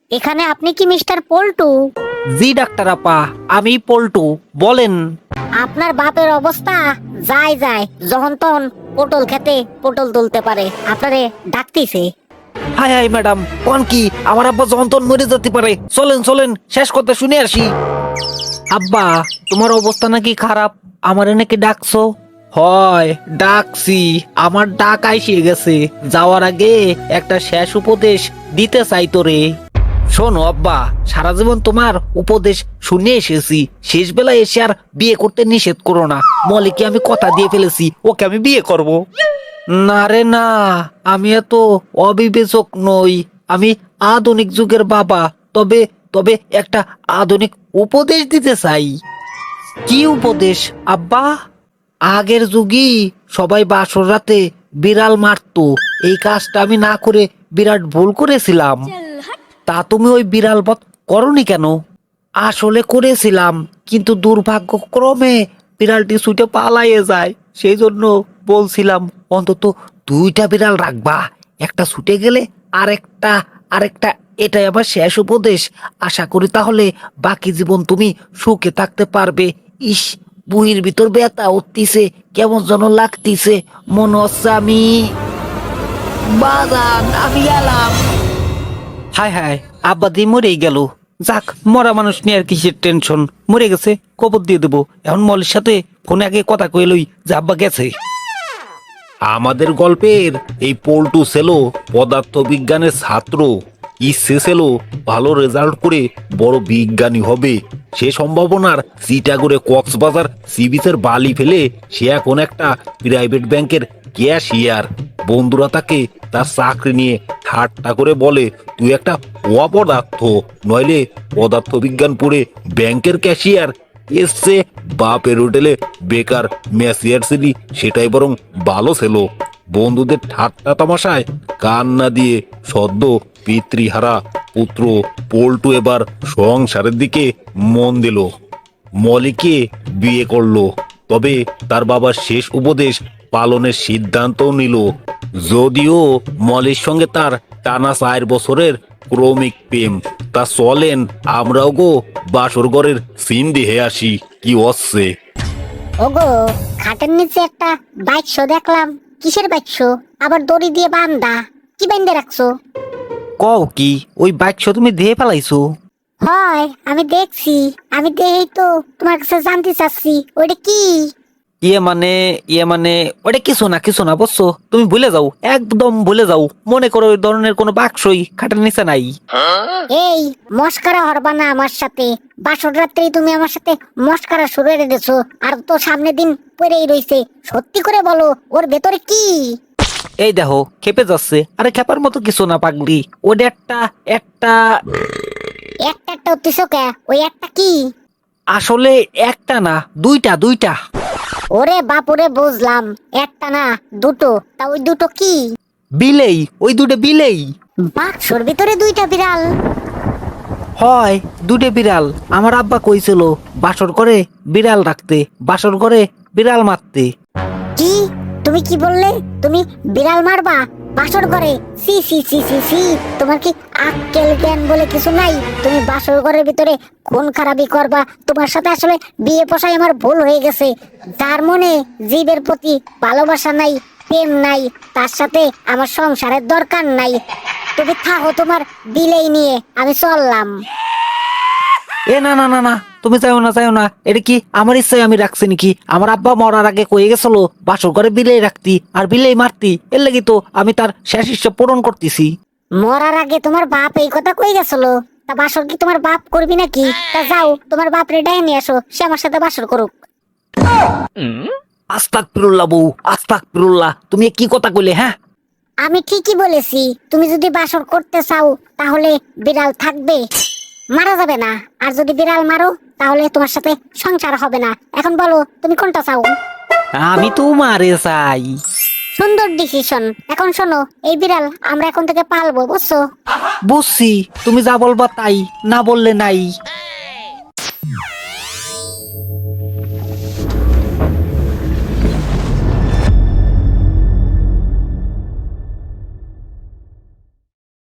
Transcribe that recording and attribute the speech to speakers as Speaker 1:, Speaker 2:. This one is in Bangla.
Speaker 1: এখানে আপনি কি মিস্টার পল্টু?
Speaker 2: জি ডাক্তার আপা, আমি পল্টু, বলেন।
Speaker 1: আপনার বাপের অবস্থা যায় যায়, যখন তখন পটল খেতে পটল তুলতে পারে, আপনারে ডাকতিছে।
Speaker 2: হাই হাই ম্যাডাম, কোন কি আমার আব্বা যন্ত্রণ মরে যেতে পারে। চলেন চলেন, শেষ কথা শুনে আসি। আব্বা, তোমার অবস্থা নাকি খারাপ, আমারে নাকি ডাকছো? হয় ডাকছি, আমার ডাক আইসে গেছে। যাওয়ার আগে একটা শেষ উপদেশ দিতে চাই তোরে। শোনো আব্বা, সারা জীবন তোমার উপদেশ শুনে এসেছি, শেষ বেলায় এসে আর বিয়ে করতে নিষেধ করো না। মলিকে আমি কথা দিয়ে ফেলেছি, ওকে আমি বিয়ে করব। না রে না, আমি এত অবিবেচক নই, আমি আধুনিক যুগের বাবা। তবে তবে একটা আধুনিক উপদেশ দিতে চাই। কি উপদেশ আব্বা? আগের যুগই সবাই বাসর রাতে বিড়াল মারতো, এই কাজটা আমি না করে বিরাট ভুল করেছিলাম। তা তুমি ওই বিড়াল বধ করনি কেন? আসলে করেছিলাম, কিন্তু দুর্ভাগ্যক্রমে বিড়ালটি ছুটে পালাইয়ে যায়। সেই জন্য বলছিলাম অন্তত দুইটা বিড়াল রাখবা, একটা ছুটে গেলে আরেকটা আরেকটা এটাই আমার শেষ উপদেশ। আশা করি তাহলে বাকি জীবন তুমি সুখে থাকতে পারবে। ইস, বুহির ভিতর ব্যথা উঠতিছে, কেমন যেন লাগতিছে, মনে হচ্ছে আমি বাজান, আমি গেলাম। হায় হায়, আব্বা দিয়ে মরেই গেল। যাক, মরা মানুষ নিয়ে আর কিসের টেনশন, মরে গেছে, কবর দিয়ে দেবো। এখন মলের সাথে ফোনে আগে কথা কয়ে লই যে আব্বা গেছে।
Speaker 3: আমাদের গল্পের এই পল্টু ছিল পদার্থ বিজ্ঞানের ছাত্র। ইচ্ছে ছিল ভালো রেজাল্ট করে বড় বিজ্ঞানী হবে। সে সম্ভাবনার চিটাগড়ে কক্সবাজার সি বিচের বালি ফেলে সে এখন একটা প্রাইভেট ব্যাংকের ক্যাশিয়ার। বন্ধুরা তাকে তার চাকরি নিয়ে ঠাট্টা করে বলে, তুই একটা অপদার্থ, নইলে পদার্থ বিজ্ঞান পড়ে ব্যাংকের ক্যাশিয়ার এসছে। বাপের হোটেলে বেকার ম্যাসিয়ার ছিলি, সেটাই বরং ভালো ছিল। বন্ধুদের ঠাট্টা তামাশায় কান না দিয়ে সদ্য পিতৃহারা পুত্র পল্টু এবার সংসারের দিকে মন দিল। মলিকে বিয়ে করলো, তবে তার বাবার শেষ উপদেশ পালনের সিদ্ধান্তও নিল। যদিও মলির সঙ্গে তার টানা 4 বছরের ক্রমিক প্রেম, তা চলেন আমরাও গো বাসর ঘরের সিন দিয়ে আসি কি হচ্ছে।
Speaker 1: ওগো, খাটের নিচে একটা বাক্স দেখলাম। কিসের বাক্স? আবার দড়ি দিয়ে বান্ধা, কি বান্ধে রাখছো?
Speaker 2: কও কি, ওই বাক্স তুমি দিয়ে ফেলাইছো?
Speaker 1: হয়, আমি দেখছি। আমি দেখেই তো তোমার কাছে জানতে চাচ্ছি, ওইটা কি?
Speaker 2: ইয়ে মানে ওটা কিছু না বুঝছো, তুমি ভুলে যাও, একদম ভুলে যাও। মনে করো ওই ধরনের কোনো বাক্সই খাটের নিচে নাই।
Speaker 1: এই, মস্কারা হরবা না আমার সাথে। বাসর রাত্রি তুমি আমার সাথে মস্কারা শুরু করে দিয়েছো, আর তো সামনে দিন পরেই রইছে। সত্যি করে বলো, ওর ভেতরে কি?
Speaker 2: এই দেখো, খেপে যাচ্ছে। আরে খেপার মতো কিছু না পাগলি, ওটা একটা একটা
Speaker 1: একটা একটা উত্তিস কে? ওই একটা কি?
Speaker 2: আসলে একটা না, দুইটা দুইটা।
Speaker 1: ওরে বাপুরে, বুঝলাম একটা না দুটো। তা ওই দুটো কি?
Speaker 2: বিলেই, ওই দুটো বিলেই।
Speaker 1: বাক্সর ভিতরে দুইটা বিড়াল?
Speaker 2: হয়, দুটো বিড়াল। আমার আব্বা কইছিল বাসর করে বিড়াল রাখতে, বাসর করে বিড়াল মারতে।
Speaker 1: কি? তুমি কি বললে? তুমি বিড়াল মারবা বাসর ঘরে? সি সি সি সি সি, তোমার কি আক্কেল জ্ঞান বলে কিছু নাই? তুমি বাসর ঘরের ভিতরে খুন খারাপি করবা? তোমার সাথে আসলে বিয়ে পোষায় আমার ভুল হয়ে গেছে। যার মনে জীবের প্রতি ভালোবাসা নাই, প্রেম নাই, তার সাথে আমার সংসারের দরকার নাই। তুমি থাকো তোমার বিলেই নিয়ে, আমি চললাম।
Speaker 2: এ না না না না, তুমি চাইও না চাইও না। এটা কি আমার ইচ্ছায় আমি রাখছি নাকি? আমার আব্বা মরার আগে কয়ে গেছিল বাসর ঘরে বিলেই রাখতি আর বিলেই মারতি, এর লাগি তো আমি তার শেষ ইচ্ছা পূরণ করতেছি।
Speaker 1: মরার আগে তোমার বাপ এই কথা কই গেছিল? তা বাসর কি তোমার বাপ করবি নাকি? তা যাও, তোমার বাপ রে ডাইনে নিয়ে আসো, সে আমার সাথে বাসর করুক।
Speaker 2: আস্তাগফিরুল্লাহ বউ, আস্তাগফিরুল্লাহ, তুমি কি কথা কইলে? হ্যাঁ,
Speaker 1: আমি ঠিকই বলেছি। তুমি যদি বাসর করতে চাও তাহলে বিড়াল থাকবে, মারা যাবে না। আর যদি বিড়াল মারো তাহলে তোমার সাথে সংসার হবে না। এখন বলো তুমি কোনটা চাও?
Speaker 2: আমি তো মারে চাই।
Speaker 1: সুন্দর ডিসিশন। এখন শোনো, এই বিড়াল আমরা এখন থেকে পালবো, বুঝছো?
Speaker 2: বুঝছি, তুমি যা বলবা তাই, না বললে নাই।